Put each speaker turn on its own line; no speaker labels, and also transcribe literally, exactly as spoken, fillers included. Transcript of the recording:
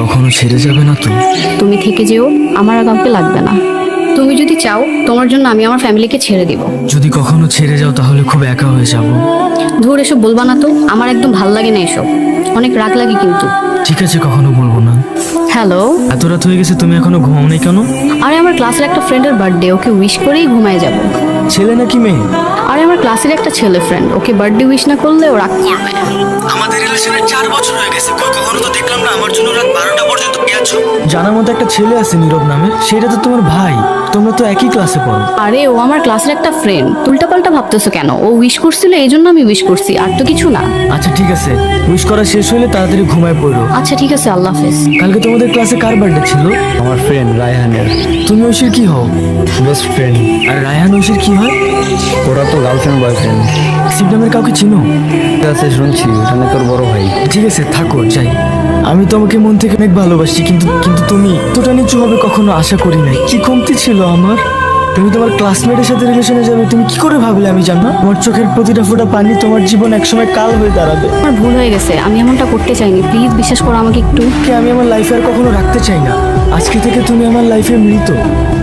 কখনো ছেড়ে যাবে না তো?
তুমি থেকে যেও, আমার আর কাউকে লাগবে না। তুমি যদি চাও তোমার জন্য আমি আমার ফ্যামিলিকে ছেড়ে দিব।
যদি কখনো ছেড়ে যাও তাহলে খুব একা হয়ে যাব।
ধুর, এসব বলবা না তো, আমার একদম ভাল লাগে না এসব, অনেক রাগ লাগে কিন্তু।
ঠিক আছে, কখনো বলবো না।
হ্যালো।
এত রাত হয়ে গেছে, তুমি এখনো ঘুমাও নাই কেন?
আরে আমার ক্লাসের একটা ফ্রেন্ডের বার্থডে, ওকে উইশ করেই ঘুমায় যাব।
ছেলে নাকি মেয়ে?
আরে আমার ক্লাসের একটা ছেলে ফ্রেন্ড, ওকে বার্থডে উইশ না করলে ও রাগ করবে।
আমাদের রিলেশনের চার বছর হয়ে গেছে, কই কখনো তো দেখলাম না আমার জন্য রাত বারোটা পর্যন্ত গেছো। জানার মতো একটা ছেলে আছে নীরব নামে, সেটা তো তোমার ভাই, তোমরা তো একই ক্লাসে পড়ো।
আরে ও আমার ক্লাসের একটা ফ্রেন্ড, উল্টাপাল্টা ভাবতেছো কেন? ও উইশ করছিল এই জন্য আমি উইশ করছি, আর তো কিছু না।
আচ্ছা ঠিক আছে, উইশ করা শেষ হলে তাড়াতাড়ি ঘুমায় পড়ো।
আচ্ছা ঠিক আছে, আল্লাহ হাফেজ।
কালকে তোমাদের ক্লাসে কার বার্থডে ছিল?
আমার ফ্রেন্ড রায়হানের
তুমি ঐশীর কি হও?
Best friend.
আর রায়হান ঐশীর কি হয়?
ওরা তো গার্লফ্রেন্ড বয়ফ্রেন্ড।
শিব নামের কাউকে চিনো?
ঠিক আছে, শুনছি ওখানে তোর বড় ভাই।
ঠিক আছে থাকো, যাই। আমি তোমাকে মন থেকে অনেক ভালোবাসি, কিন্তু কিন্তু তুমি এতটা নিচু হবে কখনো আশা করি নাই। কি কমতি ছিল আমার? তুমি তোমার ক্লাসমেটের সাথে রিলেশনে যাবে, তুমি কি করে ভাবলে আমি জানো? তোমার চোখের প্রতিটা ফোঁটা পানি তোমার জীবন একসময় কাল হয়ে দাঁড়াবে।
আমার ভুল হয়ে গেছে, আমি এমনটা করতে চাইনি, প্লিজ বিশ্বাস করো আমাকে একটু।
কে আমি আমার লাইফে আর কখনো রাখতে চাই না। আজকে থেকে তুমি আমার লাইফে মৃত।